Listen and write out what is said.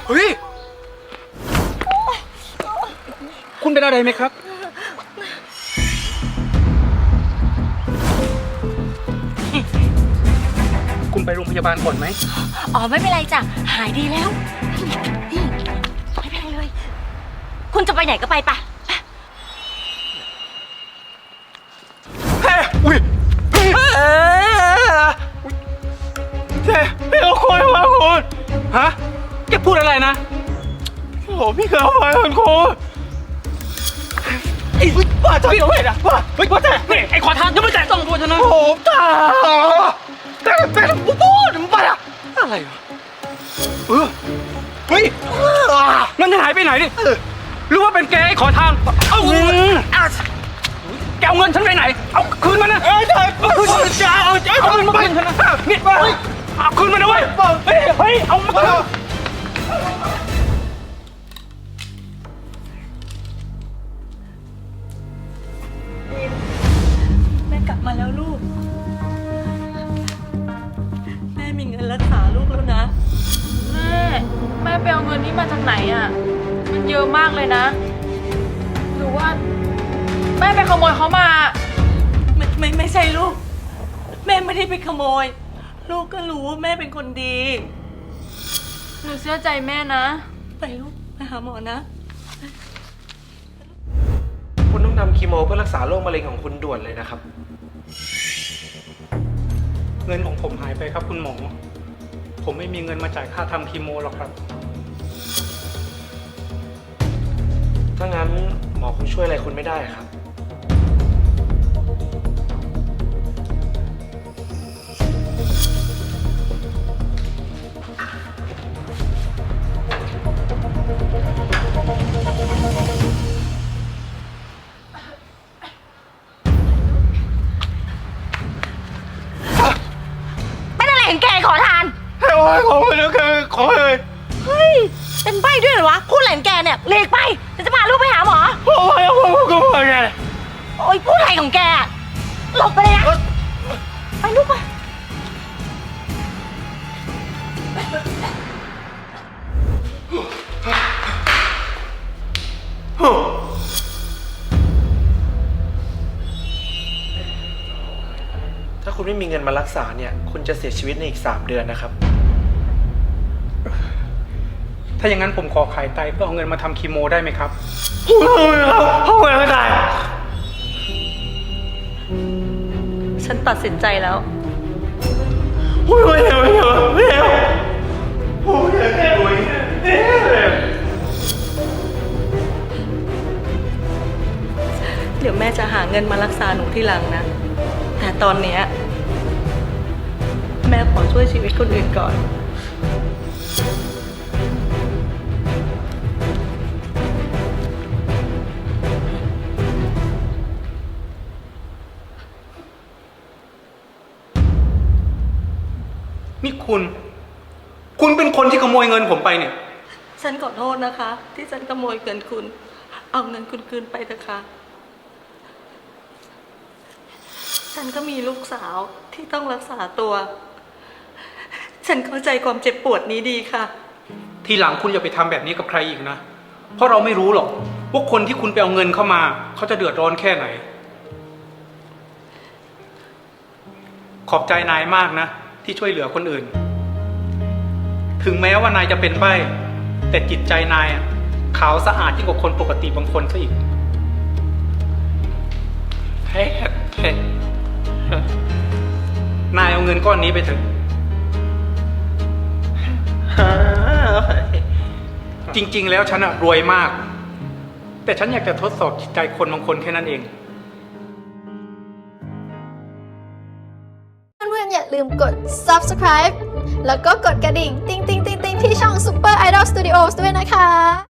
เฮ้ยคุณเป็นอะไรไหมครับคุณไปโรงพยาบาลก่อนไหมอ๋อไม่เป็นไรจ้ะหายดีแล้วไม่เป็นไรเลยคุณจะไปไหนก็ไปปะเฮ้ยอุ้ยเจ๊พี่เอาคนมาคุณฮะแกพูดอะไรนะโอ้พี่เคยเอาไปคุณครูไอ้บ้าจะไม่ได้นะบ้าเฮ้ยบ้าแต่ไอ้ขอทานยังไม่แตะต้องตัวฉันนะโอ้ตาแต่พูดมึงไปอะอะไรวะเฮ้ยเงินจะหายไปไหนดิหรือว่าเป็นแกไอ้ขอทานเอาเงินแกเอาเงินฉันไปไหนเอาคืนมานะคืนจะเอาเงินมาคืนฉันนะนี่เอาคืนมานะเว้ยเฮ้ยเอามาคืนแม่กลับมาแล้วลูกแม่มีเงินรักษาลูกแล้วนะแม่ไปเอาเงินนี้มาจากไหนอ่ะมันเยอะมากเลยนะหรือว่าแม่ไปขโมยเขามาไม่ใช่ลูกแม่ไม่ได้ไปขโมยลูกก็รู้ว่าแม่เป็นคนดีหนูเสียใจแม่นะไปลูกไปหาหมอนะคุณต้องทำคีโมเพื่อรักษาโรคมะเร็งของคุณด่วนเลยนะครับเงินของผมหายไปครับคุณหมอผมไม่มีเงินมาจ่ายค่าทำคีโมหรอกครับถ้างั้นหมอคงช่วยอะไรคุณไม่ได้ครับเป็นอะไรของแกขอทานให้โอ้ยขอเลยขอเลยเฮ้ยเป็นใบ้ด้วยเหรอวะพูดอะไรของแกเนี่ยเลีกไปจะพาลูกไปหาหมอโอ้ยก็ว่าไงโอ้ยพูดอะไรของแกหลบไปเลยนะไปลูกไปถ้าคุณไม่มีเงินมารักษาเนี่ยคุณจะเสียชีวิตในอีก3 เดือนนะครับถ้าอย่างนั้นผมขอขายไตเพื่อเอาเงินมาทำคีโมได้ไหมครับเอาเงินไม่ได้ฉันตัดสินใจแล้วไม่เอาโอ้ยแค่รวยเดี๋ยวแม่จะหาเงินมารักษาหนูที่หลังนะแต่ตอนเนี้ยแม่ขอช่วยชีวิตคนอื่นก่อนนี่คุณเป็นคนที่ขโมยเงินผมไปเนี่ยฉันขอโทษนะคะที่ฉันขโมยเงินคุณเอาเงินคุณคืนไปเถอะค่ะฉันก็มีลูกสาวที่ต้องรักษาตัวฉันเข้าใจความเจ็บปวดนี้ดีค่ะทีหลังคุณอย่าไปทำแบบนี้กับใครอีกนะเพราะเราไม่รู้หรอกว่าคนที่คุณไปเอาเงินเข้ามาเขาจะเดือดร้อนแค่ไหนขอบใจนายมากนะที่ช่วยเหลือคนอื่นถึงแม้ว่านายจะเป็นใบ้แต่จิตใจนายขาวสะอาดยิ่งกว่าคนปกติบางคนซะอีกเฮ้ยนายเอาเงินก้อนนี้ไปเถอะจริงๆแล้วฉันรวยมากแต่ฉันอยากจะทดสอบจิตใจคนบางคนแค่นั้นเองเพื่อนๆอย่าลืมกด subscribe แล้วก็กดกระดิ่ง ติ๊งๆๆๆที่ช่อง Super Idol Studios ด้วยนะคะ